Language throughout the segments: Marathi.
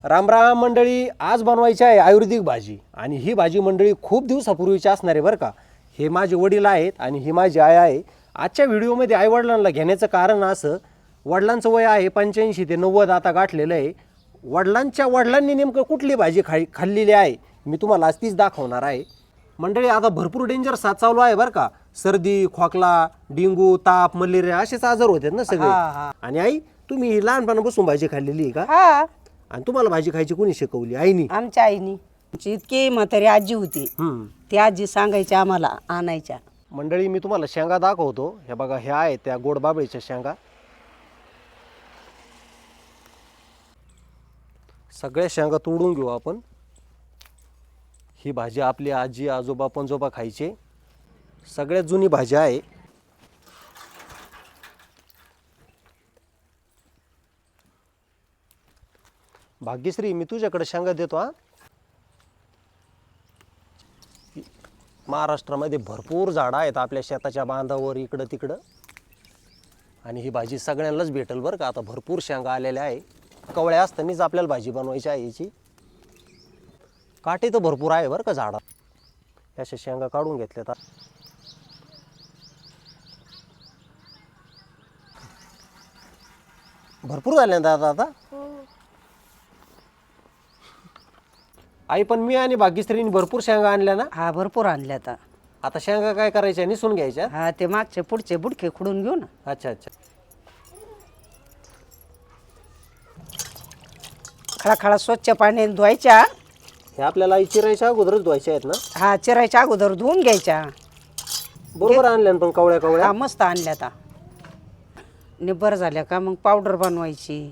राम राम मंडळी, आज बनवायची आहे आयुर्वेदिक भाजी आणि ही भाजी मंडळी खूप दिवसापूर्वीची असणार आहे बरं का. हे माझे वडील आहेत आणि ही माझी आई आहे. आजच्या व्हिडिओमध्ये आईवडिलांना घेण्याचं कारण असं, वडिलांचं वय आहे 85 ते 90 आता गाठलेलं आहे. वडिलांच्या वडिलांनी नेमकं कुठली भाजी खाल्लेली आहे मी तुम्हाला आज तीच दाखवणार आहे. मंडळी आता भरपूर डेंजर साथ चालू आहे बरं का. सर्दी, खोकला, डेंगू, ताप, मलेरिया असेच आजार होतात ना सगळे. आणि आई, तुम्ही लहानपणापासून भाजी खाल्लेली आहे का? हा, आणि तुम्हाला भाजी खायची कोणी शिकवली? आईनी? आमच्या आईनी. आमची इतकी म्हातारी आजी होती, ती आजी सांगायची आम्हाला आणायच्या. मंडळी मी तुम्हाला शेंगा दाखवतो. हे बघा, ह्या आहेत त्या गोड बाबळीच्या शेंगा. सगळ्या शेंगा तोडून घेऊ आपण. ही भाजी आपली आजी आजोबा पणजोबा खायचे. सगळ्यात जुनी भाजी आहे. भाग्यश्री, मी तुझ्याकडे शेंगा देतो हा. महाराष्ट्रामध्ये भरपूर झाडं आहेत आपल्या शेताच्या बांधावर इकडं तिकडं. आणि ही भाजी सगळ्यांनाच भेटेल बरं का. आता भरपूर शेंगा आलेल्या आहे. कवळ्या असतानाच आपल्याला भाजी बनवायची आहे याची. काटे तर भरपूर आहे बरं का झाडात. अशा शेंगा काढून घेतल्यात. भरपूर झाल्या ना दादा आता. आई, पण मी आणि भाग्यश्रीने भरपूर शेंगा आणल्या ना. हा, भरपूर आणल्या आता. आता शेंगा काय करायच्या? निसून घ्यायच्या. हा, ते मागचे पुढचे बुडके खुडून घेऊ ना. अच्छा अच्छा. खळाखळा स्वच्छ पाण्याने धुवायच्या. हे आपल्याला आई चिरायच्या अगोदरच धुवायच्या आहेत ना. हा, चिरायच्या अगोदर धुवून घ्यायच्या. बरोबर आणल्या ना पण कवळ्या कवळ्या. हा, मस्त आणल्या आता. निब्बर झाल्या का मग पावडर बनवायची.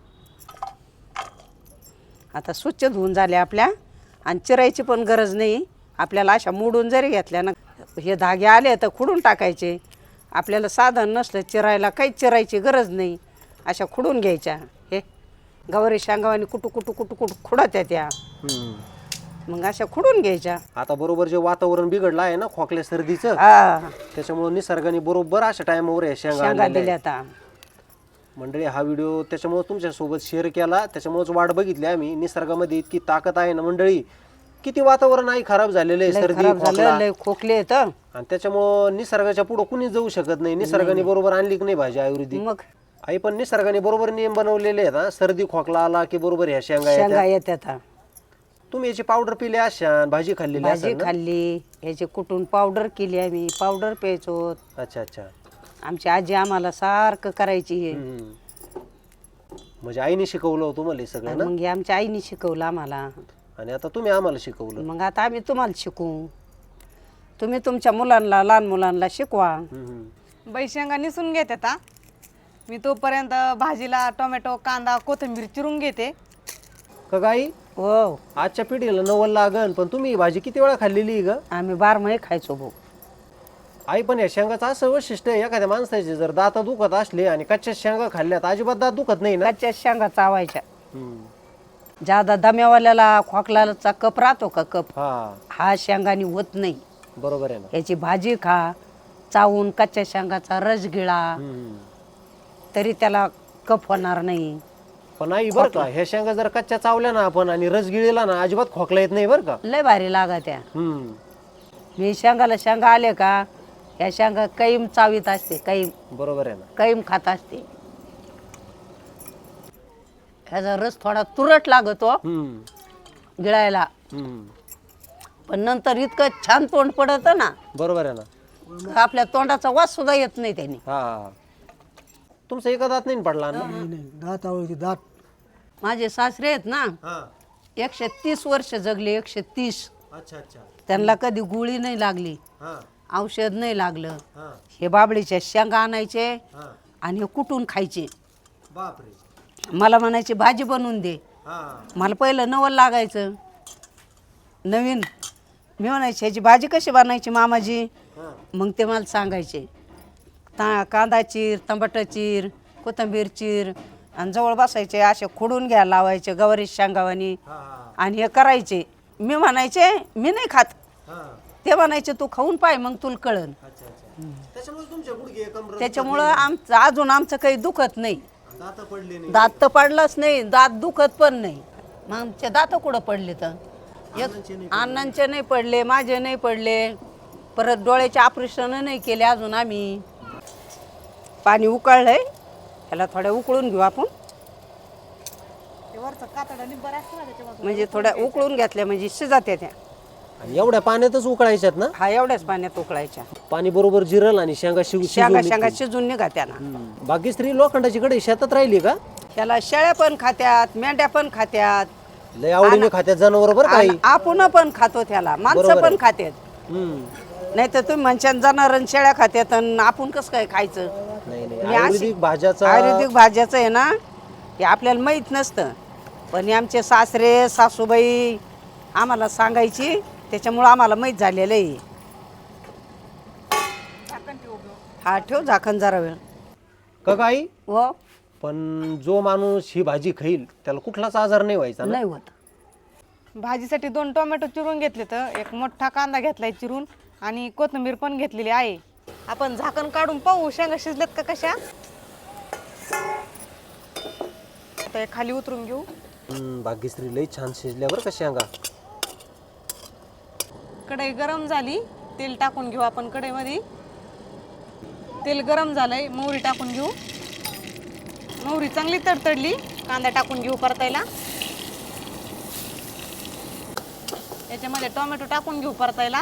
आता स्वच्छ धुवून झाल्या आपल्या. आणि चिरायची पण गरज नाही आपल्याला. अशा मोडून जरी घेतल्या ना, हे धागे आले तर खुडून टाकायचे. आपल्याला साधन नसलं चिरायला, काहीच चिरायची गरज नाही. अशा खुडून घ्यायच्या. हे गवारी शेंगावानी कुटू कुटू कुटू कुटू खुडत्या त्या. मग अशा खुडून घ्यायच्या. आता बरोबर जे वातावरण बिघडलं आहे ना खोकल्या सर्दीचं, हा, त्याच्यामुळे निसर्गाने बरोबर अशा टायमावर हे शेंगा शेंगा आणलेल्या दिल्या आहेत. आता. मंडळी, हा व्हिडिओ त्याच्यामुळे तुमच्यासोबत शेअर केला. त्याच्यामुळेच वाट बघितली आम्ही. निसर्गामध्ये इतकी ताकद आहे ना मंडळी. किती वातावरण आहे खराब झालेलं आहे. लय सर्दी, खराब झालं, खोकला. लय खोकले येत. आणि त्याच्यामुळं निसर्गाच्या पुढं कुणीच जाऊ शकत नाही. निसर्गाने बरोबर आणली की नाही भाजी आयुर्वेदिक. मग आई, पण निसर्गाने बरोबर नियम बनवलेले आहेत हा. सर्दी खोकला आला की बरोबर ह्या शेंगा शेंगा येतात. येतात. तुम्ही याची पावडर पिली अशा, भाजी खाल्लेली भाजी असेल ना? खाल्ली, ह्याची कुटून पावडर केली आम्ही. पावडर प्यायचो. अच्छा अच्छा. आमची आजी आम्हाला सारखं करायची हे. म्हणजे आईने शिकवलं होतं मला हे सगळं ना. मग हे आमच्या आईने शिकवलं आम्हाला. आणि आता तुम्ही आम्हाला शिकवलं. मग आता आम्ही तुम्हाला शिकू. तुम्ही तुमच्या मुलांना, लहान मुलांना शिकवा. बाई शेंगा निसून घेते आता. मी तोपर्यंत भाजीला टोमॅटो, कांदा, कोथिंबीर चिरून घेते. का गाई? हो, आजच्या पिढीला नवल लागन. पण तुम्ही ही भाजी किती वेळा खाल्लेली आहे ग? आम्ही 12 महिने खायचो भाऊ. आई, पण या शेंगाचं असं वैशिष्ट्य आहे, एखाद्या माणसाचे जर दात दुखत असले आणि कच्च्या शेंगा खाल्ल्यात अजिबात दात दुखत नाही ना. कच्च्या शेंगा चावायच्या. ज्यादा दम्यावाल्याला खोकलाचा कप राहतो का, कप हा शेंगानी होत नाही. बरोबर आहे ना. याची भाजी खा, चावून कच्च्या शेंगाचा रस गिळा, तरी त्याला कप होणार नाही. पण आई बरं का, ह्या शेंगा जर कच्च्या चावल्या ना आपण आणि रस गिळला ना, अजिबात खोकला येत नाही बरं का. लय भारी लागा त्या. मी शेंगाला शेंगा आले का, या शेंगा कैम चावीत असते. कैम, बरोबर आहे ना. कैम खात असते. ह्याचा रस थोडा तुरट लागतो गिळायला, पण नंतर इतकं छान तोंड पडत ना. बरोबर आहे ना. आपल्या तोंडाचा वास सुद्धा येत नाही त्याने. हा, तुमचा एका दात नाही पडला ना? दात माझे सासरे आहेत ना, 130 वर्ष जगले. 130. अच्छा अच्छा. त्यांना कधी गोळी नाही लागली, औषध नाही लागलं. हे बाबळीच्या शेंगा आणायचे आणि हे कुटून खायचे. बापरे. मला म्हणायचे भाजी बनवून दे. मला पहिलं नवल लागायचं नवीन. मी म्हणायची ह्याची भाजी कशी बनायची मामाजी. मग ते मला सांगायचे, कांदा चीर, टमाटर चीर, कोथिंबीर चीर. आणि जवळ बसायचे, असे खुडून घ्यायला लावायचे गवारी शेंगावानी. आणि हे करायचे. मी म्हणायचे मी नाही खात. ते म्हणायचे तू खाऊन पाय, मग तुला कळन. त्याच्यामुळं अजून आमचं काही दुखत नाही. दात तर पडलाच नाही, दात दुखत पण नाही. मग आमचे दात कुठं पडले तर अण्णांचे नाही पडले, माझे नाही पडले, परत डोळ्याचे ऑपरेशन नाही केले अजून आम्ही. पाणी उकळलंय, त्याला थोड्या उकळून घेऊ आपण. म्हणजे थोड्या उकळून घेतल्या म्हणजे शिजात्या त्या. आणि एवढ्या पाण्यातच उकळायच्यात ना? हा एवढ्याच पाण्यात उकळायच्या. पाणी बरोबर जिरल आणि शेंगा शेंगा शेंगा शिजून निघा त्याला. बागेश्री लोखंडाची कढई शेतात राहिली का? त्याला शेळ्या पण खात्यात, मेंढ्या पण खात्यात, लय आवडीने खात्यात जनावर बरं काही. आणि आपण पण खातो त्याला, माणसं पण खात्यात. नाही तर तुम्ही म्हणशान जनावर शेळ्या खात्यात आणि आपण कसं काय खायचं. नाही नाही, मी अशी- आयुर्वेदिक भाज्याचा आयुर्वेदिक भाज्याचं आहे ना, हे आपल्याला माहीत नसतं, पण हे आमचे सासरे सासूबाई आम्हाला सांगायची, त्याच्यामुळं आम्हाला माहीत झालेलं आहे. हा ठेव झाकण जरा वेळ. का काही. हो पण जो माणूस ही भाजी खाईल त्याला कुठलाच आजार नाही व्हायचा ना? नाही होत. भाजीसाठी 2 टोमॅटो चिरून घेतले, तर एक मोठा कांदा घेतलाय चिरून आणि कोथिंबीर पण घेतलेली आहे. आपण झाकण काढून पाहू शेंगा शिजल्यात का कशा. आता हे खाली उतरून घेऊ. भाग्यश्री लई छान शिजल्या बरं का शेंगा. कढई गरम झाली, तेल टाकून घेऊ आपण कढईमध्ये. तेल गरम झालंय, मोहरी टाकून घेऊ. मोहरी चांगली तडतडली, कांदा टाकून घेऊ परतायला. याच्यामध्ये टोमॅटो टाकून घेऊ परतायला.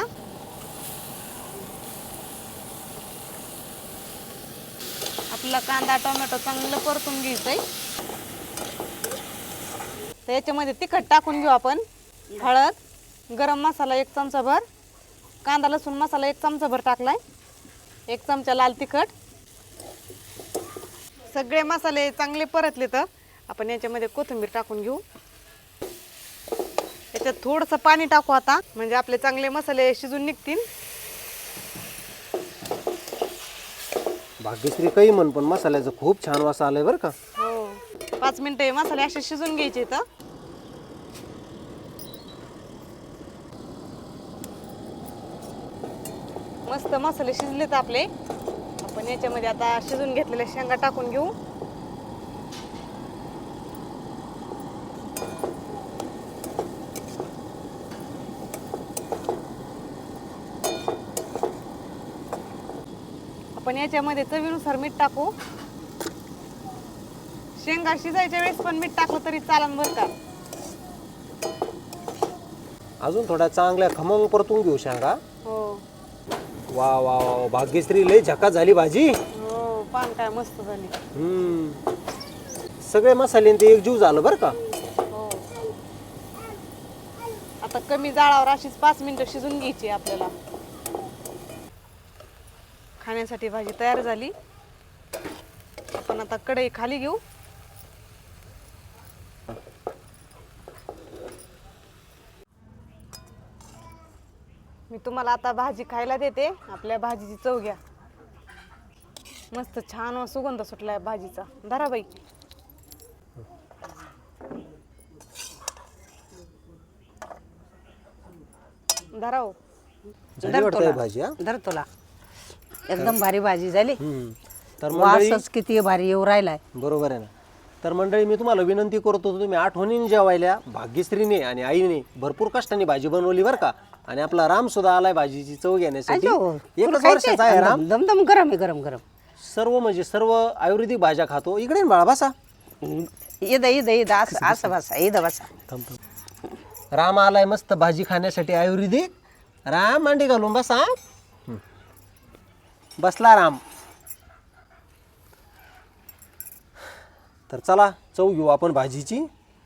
आपला कांदा टोमॅटो चांगलं परतून घ्यायचंय. तर याच्यामध्ये तिखट टाकून घेऊ आपण, हळद, गरम मसाला 1 चमचाभर, कांदा लसूण मसाला 1 चमचाभर टाकलाय, 1 चमचा लाल तिखट. सगळे मसाले चांगले परतले तर आपण याच्यामध्ये कोथिंबीर टाकून घेऊ. याच्यात थोडंसं पाणी टाकू आता, म्हणजे आपले चांगले मसाले शिजून निघतील. भाग्यश्री काही म्हण पण मसाल्याचं खूप छान वास आलाय बरं का. हो, 5 मिनिटं हे मसाले असे शिजून घ्यायचे. तर मस्त मसाले शिजलेत आपले. आपण याच्यामध्ये आता शिजून घेतलेल्या शेंगा टाकून घेऊ. आपण याच्यामध्ये चवीनुसार मीठ टाकू. शेंगा शिजायच्या वेळेस पण मीठ टाकलं तरी चालेल बरं का. अजून थोड्या चांगल्या खमंग परतून घेऊ शेंगा. हो वा वा वा, भाग्यश्री लई झकास झाली भाजी. हो, पान काय मस्त झाली. सगळे मसाले ते एकजीव झालं बरं का. हो, आता कमी जाळावर अशीच 5 मिनिटं शिजून घ्यायची आपल्याला. खाण्यासाठी भाजी तयार झाली. आपण आता कढई खाली घेऊ. मी तुम्हाला आता भाजी खायला देते. आपल्या भाजीची चव घ्या. मस्त छान सुगंध सुटलाय भाजीचा. धरा बाई. धरा हो. झाली वाटतंय भाजी. हा धर तुला एकदम भारी भाजी झाली. तर मंडळी, वासच किती भारी येऊ राहिलाय. बरोबर आहे ना. तर मंडळी, मी तुम्हाला विनंती करतो, तुम्ही आठवणीने जेवायला. भाग्यश्रीने आणि आईने भरपूर कष्टाने भाजी बनवली बरं का. आणि आपला राम सुद्धा आलाय भाजीची चव घेण्यासाठी. एकच वर्षाचा आहे राम. दम दम गरम आहे, गरम गरम. सर्व म्हणजे सर्व आयुर्वेदिक भाज्या खातो. इकडे बाळा बसा. ईद असं बसा, ईद बसा. राम आलाय मस्त भाजी खाण्यासाठी आयुर्वेदिक. राम मांडी घालून बसा. बसला राम. तर चला चव घेऊ आपण भाजीची.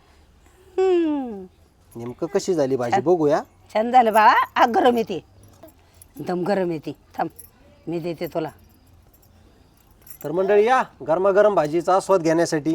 नेमकं कशी झाली भाजी बघूया. छान झालं बाळा. गरम येते, दम गरम येते. थांब मी देते तुला. तर मंडळी, या गरमागरम भाजीचा आस्वाद घेण्यासाठी.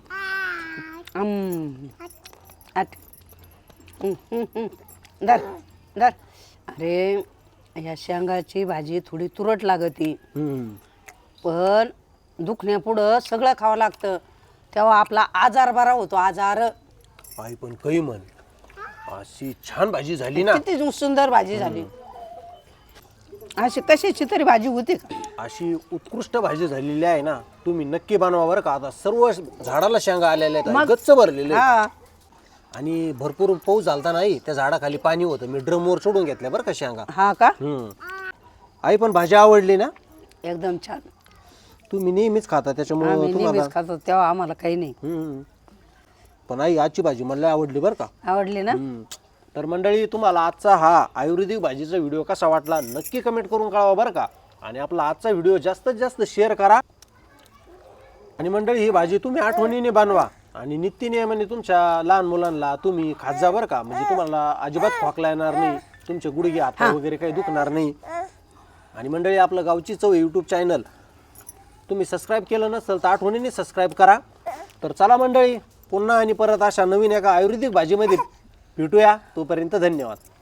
धर धर. अरे या शेंगाची भाजी थोडी तुरट लागती, पण दुखण्यापुढं सगळं खावं लागतं, तेव्हा आपला आजार बरा होतो. आजार. आई पण काही म्हण, अशी छान भाजी झाली ना. किती सुंदर भाजी झाली. अशी कशाची तरी भाजी होती का. अशी उत्कृष्ट भाजी झालेली आहे ना. तुम्ही नक्की बनवा बरं का. आता सर्व झाडाला शेंगा आलेल्या आहेत, गच्च भरलेले आहेत. आणि भरपूर पाऊस झालता नाही, त्या झाडाखाली पाणी होतं, मी ड्रमवर सोडून घेतल्या बरं का शेंगा. हा का? आई पण भाजी आवडली ना? एकदम छान. तुम्ही नेहमीच खाता त्याच्यामुळे आम्ही तुम्हाला. नेहमीच खातो तेव्हा आम्हाला काही नाही. पण आई आजची भाजी मला लय आवडली बरं का. आवडली ना? तर मंडळी, तुम्हाला आजचा हा आयुर्वेदिक भाजीचा व्हिडिओ कसा वाटला नक्की कमेंट करून कळवा बरं का. आणि आपला आजचा व्हिडिओ जास्तीत जास्त शेअर करा. आणि मंडळी, ही भाजी तुम्ही आठवणीने बनवा आणि नित्यनियमाने तुमच्या लहान मुलांना तुम्ही खात जा बरं का. म्हणजे तुम्हाला अजिबात खोकला येणार नाही, तुमचे गुडघे हात वगैरे काही दुखणार नाही. आणि मंडळी, आपलं गावची चव यूट्यूब चॅनल तुम्ही सबस्क्राईब केलं नसेल तर आठवणीने सबस्क्राईब करा. तर चला मंडळी, पुन्हा आणि परत अशा नवीन एका आयुर्वेदिक भाजीमध्ये भेटूया. तोपर्यंत धन्यवाद.